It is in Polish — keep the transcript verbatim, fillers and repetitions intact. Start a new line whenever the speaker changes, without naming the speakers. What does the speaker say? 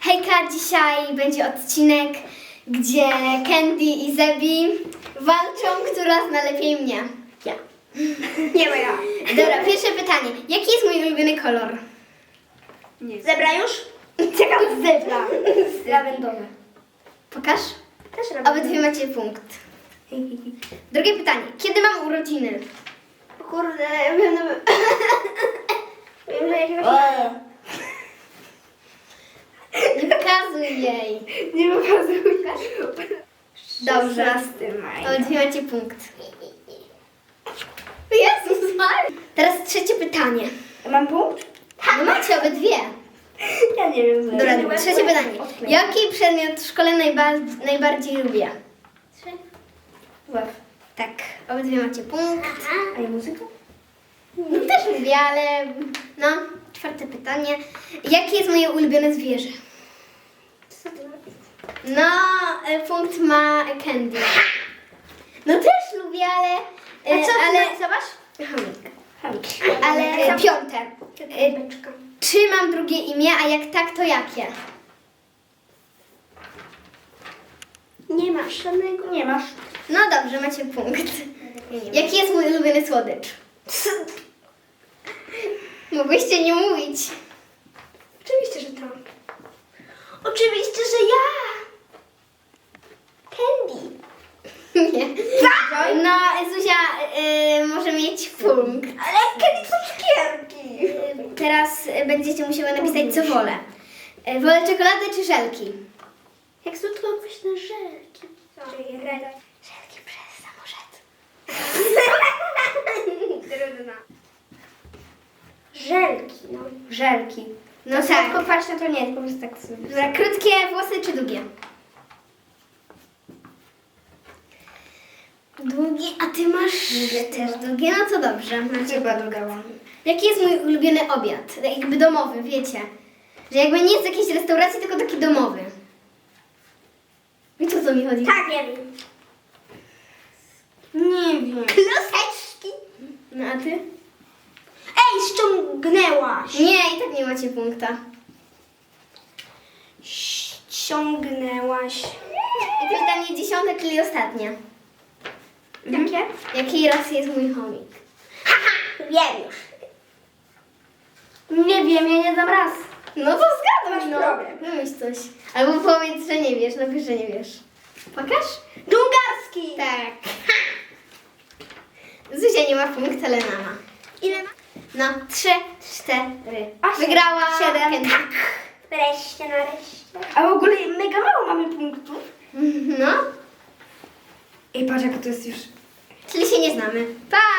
Hejka, dzisiaj będzie odcinek, gdzie Candy i Zebi walczą, która zna lepiej mnie. Ja.
Nie ma ja.
Dobra, pierwsze pytanie. Jaki jest mój ulubiony kolor?
Nie. Zebra już? Czekam, zebra.
Lawendowy. Pokaż.
Też robię.
Obydwie macie punkt. Drugie pytanie. Kiedy mam urodziny?
O kurde, wiem, no... wiem, że jakiegoś...
Nie pokazuj jej.
Nie pokazuję.
Dobrze.
szesnasty maja.
Obydwie macie punkt. Jezus Maria. Teraz trzecie pytanie.
Mam punkt?
No macie obydwie.
Ja nie wiem.
Dobra, trzecie pytanie. Jaki przedmiot w szkole najba- najbardziej lubię?
Trzy.
Łeb. Tak, obydwie macie punkt.
A ja muzyka?
No też lubię, ale no, czwarte pytanie. Jakie jest moje ulubione zwierzę?
Co ty robisz?
No, e, punkt ma Candy. No też lubię, ale... e,
A co ty
ale
narysowasz?
Chomik. Ale e, piąte. E,
Beczka.
Czy mam drugie imię, a jak tak, to jakie?
Nie masz żadnego. Nie masz.
No dobrze, macie punkt. Jaki jest mój ulubiony słodycz? Mogłyście nie mówić.
Oczywiście, że to. Oczywiście, że ja. Candy.
Nie. No, Zuzia y, może mieć punkt.
Ale Candy są cukierki.
Y, Teraz y, będziecie musiały napisać, co wolę. Y, wolę czekoladę czy żelki?
Jak słodko pyszne żelki. Żelki przez samorzec. Trudno. Żelki, no. Żelki.
No
No
tak.
słodko kwaśne to nie, po prostu tak sobie.
Dobra, krótkie włosy czy długie? Długie, a ty masz
Długie
też
chyba.
długie, no to dobrze. Macie
Chyba
punkt.
dodałam.
Jaki jest mój ulubiony obiad? Tak jakby domowy, wiecie? Że jakby nie z jakiejś restauracji, tylko taki domowy. Wiecie, o co mi chodzi?
Tak, nie wiem. Nie wiem.
Kluseczki. No a ty?
Ej, ściągnęłaś.
Nie, i tak nie macie punkta.
Ściągnęłaś.
I pytanie dziesiąte, czyli ostatnie.
Jakie?
Jakiej rasy jest mój chomik?
Wiem już. Nie wiem, ja nie dam raz.
No to zgaduj,
Masz
no.
problem.
Wymyśl coś. Albo powiedz, że nie wiesz, napisz, że nie wiesz. Pokaż?
Dżungarski.
Tak. Zuzia nie ma punktu, ale mama.
Ile ma?
No, trzy, cztery.
Osiem,
Wygrała
siedem.
Candy.
Tak. Wreszcie, nareszcie. A w ogóle mega mało mamy punktów.
No,
Ej, patrz, jak to jest już.
czyli się nie znamy. Pa!